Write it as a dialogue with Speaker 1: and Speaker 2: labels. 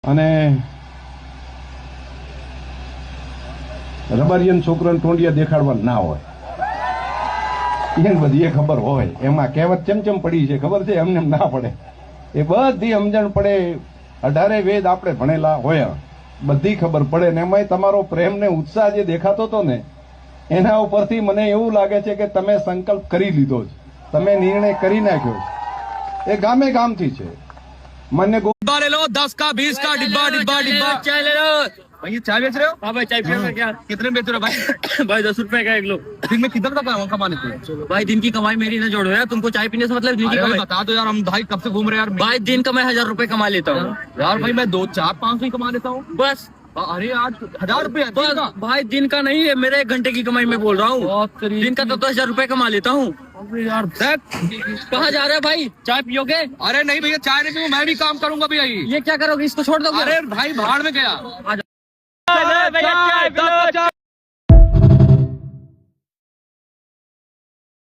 Speaker 1: અને રબારિયન છોકરાને ટોંડિયા દેખાડવા ના હોય એને બધી ખબર હોય. એમાં કહેવત ચમચમ પડી છે ખબર છે, એમને ના પડે. એ બધી સમજણ પડે. 18 વેદ આપણે ભણેલા હોય, બધી ખબર પડે. ને એમાંય તમારો પ્રેમ ને ઉત્સાહ જે દેખાતો હતો ને, એના ઉપરથી મને એવું લાગે છે કે તમે સંકલ્પ કરી લીધો છે, તમે નિર્ણય કરી નાખ્યો છે. એ ગામે ગામથી છે. મને
Speaker 2: डिब्बा ले लो, 10 का 20 का डिब्बा डिब्बा डिब्बा
Speaker 3: चाय ले लो।
Speaker 2: भाई ये चाय बेच रहे हो?
Speaker 3: हाँ भाई चाय पियो क्या?
Speaker 2: कितने में बेच रहे हो भाई?
Speaker 3: भाई 10 रुपए का 1 लो।
Speaker 2: दिन में कितना तक कमाने को?
Speaker 3: भाई दिन की कमाई मेरी ना जोड़ो यार, तुमको चाय पीने से मतलब दिन की
Speaker 2: अरे
Speaker 3: कमाई।
Speaker 2: बता दो यार, हम भाई कब से घूम रहे हैं यार।
Speaker 3: भाई दिन का मैं 1000 रुपए कमा लेता हूँ
Speaker 2: यार भाई मैं 2 4 500 ही कमा लेता हूँ
Speaker 3: बस।
Speaker 2: अरे आज 1000 रुपए
Speaker 3: बस भाई दिन का नहीं है, मेरे 1 घंटे की कमाई मैं बोल रहा हूँ। दिन का तो 10,000 रुपए कमा लेता हूँ
Speaker 2: यार।
Speaker 3: कहाँ जा रहे हो भाई? चाय पियोगे?
Speaker 2: अरे नहीं भैया चाय नहीं पीऊँ, मैं भी काम करूंगा भैया।
Speaker 3: ये क्या करोगे? इसको छोड़ दोगे?
Speaker 2: अरे भाई भाड़ में गया।
Speaker 3: भैया चाय 10